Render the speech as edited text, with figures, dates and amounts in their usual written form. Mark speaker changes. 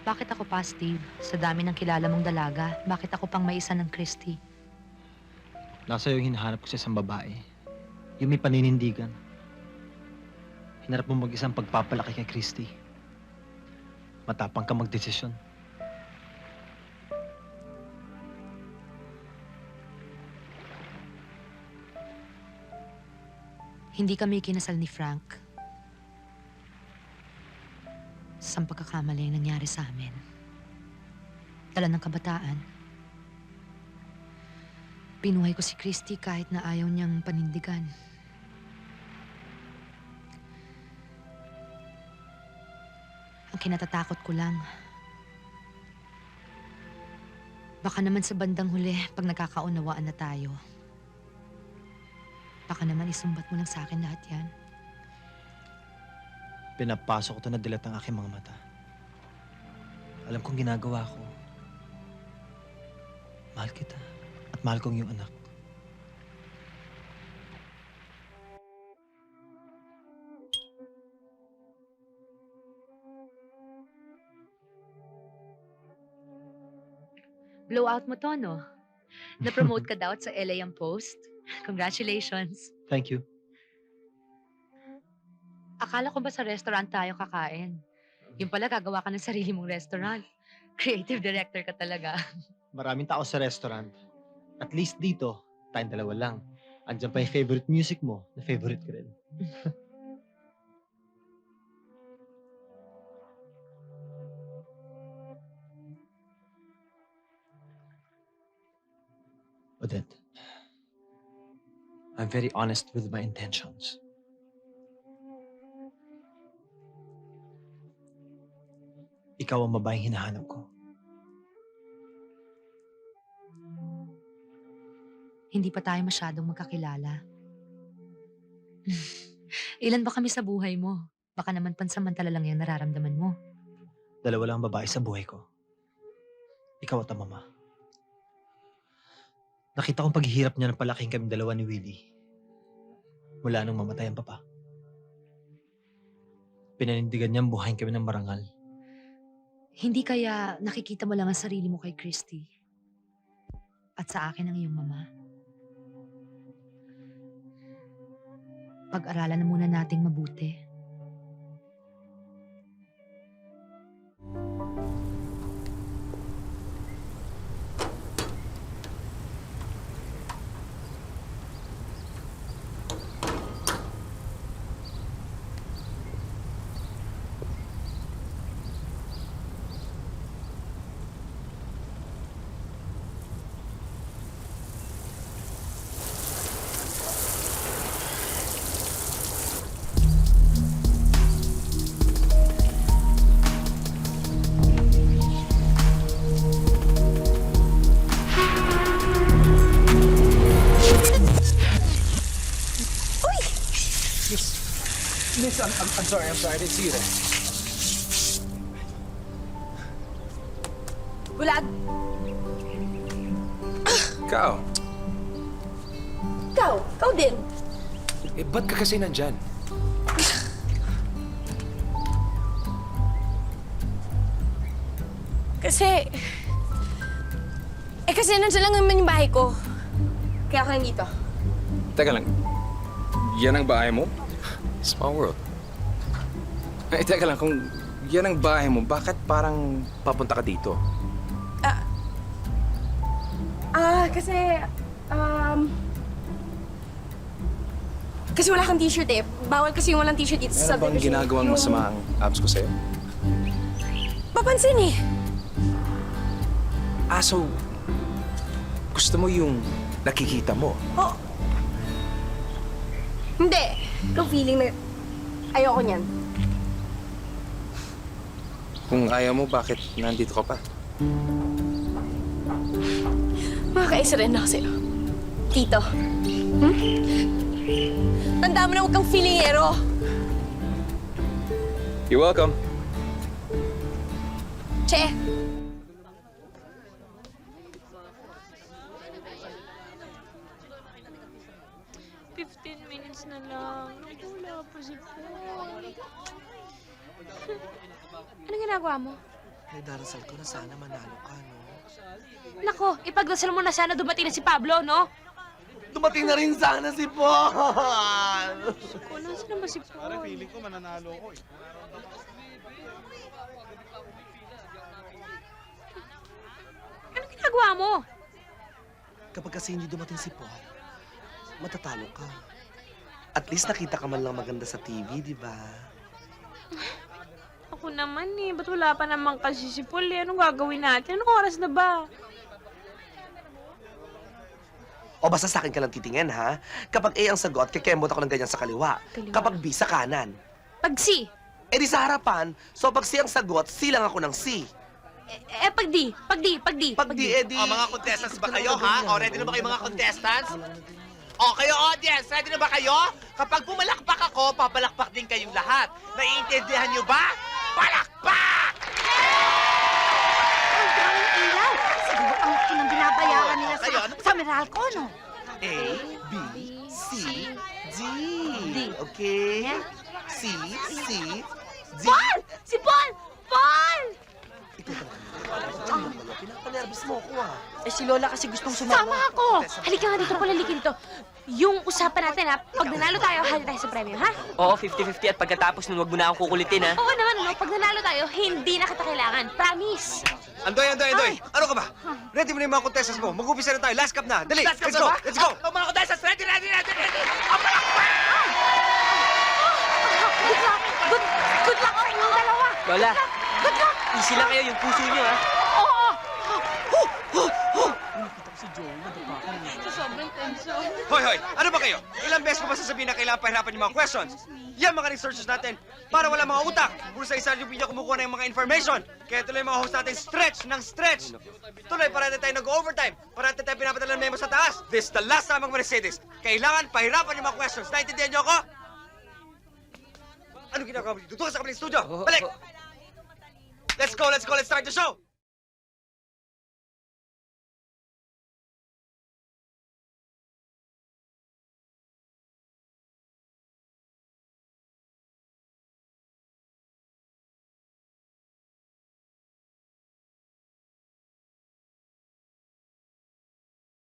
Speaker 1: Bakit ako pa, Steve? Sa dami ng kilala mong dalaga, bakit ako pang may isa ng Christy?
Speaker 2: Nasa yung hinahanap ko sa isang babae. Yung may paninindigan. Hinarap mo mag-isang pagpapalaki kay Christy. Matapang ka magdesisyon.
Speaker 1: Hindi kami kinasal ni Frank. Sa pagkakamali ang nangyari sa amin. Dala ng kabataan. Pinuhay ko si Christy kahit na ayaw niyang panindigan. Ang kinatatakot ko lang, baka naman sa bandang huli, pag nagkakaunawaan na tayo, baka naman isumbat mo lang sa akin lahat yan.
Speaker 2: Pinapasok ko to na dilat ang aking mga mata. Alam kong ginagawa ko. Mahal kita. At mahal kong yung anak.
Speaker 1: Blowout mo to, no? Na-promote ka daw sa LA ang Post. Congratulations.
Speaker 2: Thank you.
Speaker 1: Akala ko ba sa restaurant tayo kakain? Yung pala, gagawa ka ng sarili mong restaurant. Creative director ka talaga.
Speaker 2: Maraming tao sa restaurant. At least dito, tayong dalawa lang. Andiyan pa yung favorite music mo, na favorite ko rin. Odette, I'm very honest with my intentions. Ikaw ang babaeng hinahanap ko.
Speaker 1: Hindi pa tayo masyadong magkakilala. Ilan ba kami sa buhay mo? Baka naman pansamantala lang yung nararamdaman mo.
Speaker 2: Dalawa lang ang babae sa buhay ko. Ikaw at ang mama. Nakita kong paghihirap niya ng palaking kaming dalawa ni Willie. Mula nung mamatay ang papa. Pinanindigan niyang buhayin kami ng marangal.
Speaker 1: Hindi kaya nakikita mo lang ang sarili mo kay Christy? At sa akin ang iyong mama? Pag-aralan na muna nating mabuti.
Speaker 3: Miss, I'm sorry, I didn't see you there.
Speaker 4: Bulag!
Speaker 3: Ikaw?
Speaker 4: Ikaw din.
Speaker 3: Eh, ba't ka kasi nandyan?
Speaker 4: Kasi nandiyan lang naman yung bahay ko. Kaya ako nandito.
Speaker 3: Teka lang, yan ang bahay mo? Small world. Eh, teka lang, kung yan ang bahay mo, bakit parang papunta ka dito?
Speaker 4: Kasi wala kang t-shirt eh. Bawal kasi yung walang t-shirt dito sa
Speaker 3: Meron bang
Speaker 4: subdivision.
Speaker 3: ginagawang masama ang abs ko sa'yo?
Speaker 4: Papansin eh.
Speaker 3: So, gusto mo yung nakikita mo?
Speaker 4: Oh. Hindi. Ikaw feeling na ayoko niyan.
Speaker 3: Kung ayaw mo, bakit nandito ka pa?
Speaker 4: Makakaisa rin ako sa'yo. Tito. Tanda mo na huwag kang feelingero.
Speaker 3: You're welcome.
Speaker 4: Che.
Speaker 5: Minutes na lang. Wala pa si Paul.
Speaker 4: Anong ginagawa mo?
Speaker 6: Darasal ko na sana manalo ka, no?
Speaker 1: Nako, ipagdasal mo na sana dumating na si Pablo, no?
Speaker 6: Dumating na rin sana si Paul!
Speaker 1: Kung nasaan naman si Paul?
Speaker 5: Parang feeling ko mananalo ko eh.
Speaker 1: Anong ginagawa mo?
Speaker 6: Kapag kasi hindi dumating si Paul, matatalo ka. At least nakita ka man lang maganda sa TV, di ba?
Speaker 1: Ako naman eh. Ba't wala pa naman kasi si Paul eh? Anong gagawin natin? Anong oras na ba?
Speaker 6: O basta sa akin ka lang titingin, ha? Kapag A ang sagot, kikembot ako ng ganyan sa kaliwa.
Speaker 1: Kaliwa.
Speaker 6: Kapag B, sa kanan.
Speaker 1: Pag C.
Speaker 6: Eh di sa harapan, so pag C ang sagot, C lang ako ng C.
Speaker 1: Pag D. Pag D. Pag D.
Speaker 6: Pag D, eh di...
Speaker 7: O, mga contestants ba kayo, ha? O, ready na ba kayo, mga contestants? O, kayo, audience, ready na ba kayo? Kapag pumalakpak ako, papalakpak din kayong lahat. Naiintindihan nyo ba? Palakpak!
Speaker 8: Ang daming ilaw. Siguro ang laki ng binabayaran nila
Speaker 7: Kayo, ano
Speaker 8: sa Meralco, no?
Speaker 6: A, B, C, D. Okay? C, D.
Speaker 1: Paul! Si Paul! Paul!
Speaker 6: Ikaw talaga. Pinapanervous mo ako, ah.
Speaker 8: Eh, si Lola kasi gustong sumama.
Speaker 1: Sama ako! Halika nga dito, palalikin to. Yung usapan natin, ha? Pag nanalo tayo, hali tayo sa premyo, ha?
Speaker 9: Oo, 50-50 at pagkatapos nun, wag mo na akong kukulitin, ha?
Speaker 1: Oo naman, no? Pag nanalo tayo, hindi na kita kailangan. Promise!
Speaker 7: Andoy! Ano ka ba? Ready mo na yung mga contestants mo. Mag-upisa na tayo. Last cup na. Dali,
Speaker 9: Last cup
Speaker 7: let's
Speaker 9: na
Speaker 7: go!
Speaker 9: ba?
Speaker 7: Let's go!
Speaker 9: O, mga contestants, ready!
Speaker 1: Good luck, oh, yung dalawa!
Speaker 9: Lola, easy lang kayo, yung puso niyo, ha?
Speaker 1: Oo!
Speaker 7: Hoy! Ano ba kayo? Ilang beses ko ba sasabihin na kailangan pahirapan yung mga questions? Yan mga researchers natin para wala mga utak. Puro sa isa yung video kumukuha ng mga information. Kaya tuloy mga host natin stretch ng stretch. Tuloy, parati tayo nag-overtime. Parati tayo pinapadala ng memo sa taas. This is the last time I'm gonna say this. Kailangan pahirapan yung mga questions. Naintindihan niyo ako? Ano ginagawa mo dito? Doon ka sa kabilang studio. Balik! Let's go. Let's start the show.